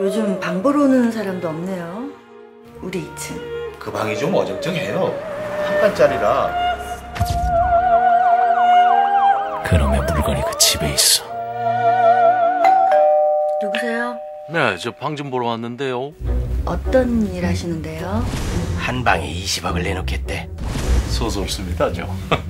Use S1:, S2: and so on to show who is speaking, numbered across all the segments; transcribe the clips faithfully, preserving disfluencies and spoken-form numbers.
S1: 요즘 방 보러 오는 사람도 없네요. 우리 이 층.
S2: 그 방이 좀 어정쩡해요. 한 칸짜리라.
S3: 그놈의 물건이 그 집에 있어.
S1: 누구세요?
S3: 네, 저 방 좀 보러 왔는데요.
S1: 어떤 일 하시는데요?
S4: 한 방에 이십억을 내놓겠대.
S3: 소설습니다, 저.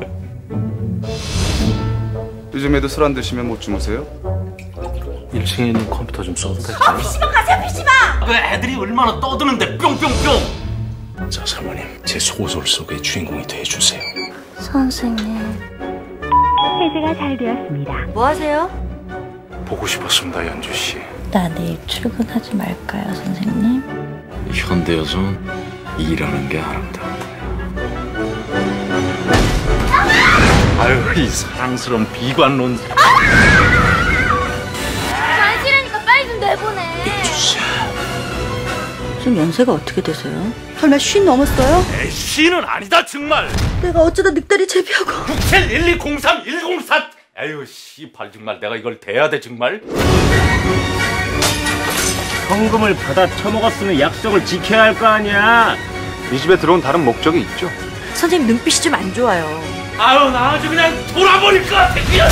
S5: 요즘에도 술 안 드시면 못 주무세요?
S3: 일 층에 있는 컴퓨터 좀 써도 될까요?
S6: 아, 피시방 가세요, 피시방!
S3: 그 애들이 얼마나 떠드는데 뿅뿅뿅! 자, 사모님, 제 소설 속의 주인공이 돼주세요.
S1: 선생님.
S6: 해제가 잘 되었습니다.
S1: 뭐 하세요?
S3: 보고 싶었습니다, 연주 씨.
S1: 나 내일 출근하지 말까요, 선생님?
S3: 현대 여자는 일하는 게 아름답다. 아유, 이 사랑스러운 비관론.
S6: 안 싫으니까 빨리 좀 내보내.
S1: 지금 연세가 어떻게 되세요? 설마 쉰 넘었어요?
S3: 에이, 씨는 아니다, 정말.
S1: 내가 어쩌다 늑다리 제비하고.
S3: 칠 일이 공삼 일공사. 에휴, 씨발, 정말 내가 이걸 대야 돼, 정말?
S7: 현금을 받아 처먹었으면 약속을 지켜야 할 거 아니야.
S5: 이 집에 들어온 다른 목적이 있죠?
S1: 선생님 눈빛이 좀 안 좋아요.
S3: 아유, 나 아주 그냥 돌아버릴 것 같아, 그냥.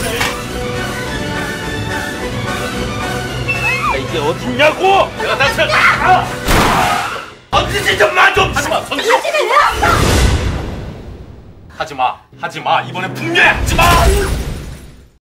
S3: 이게 어딨냐고! 내가 다시 아! 언제지 좀 마 좀! 하지마, 선수! 하지마, 하지마, 하지마. 이번에 분명히 하지마!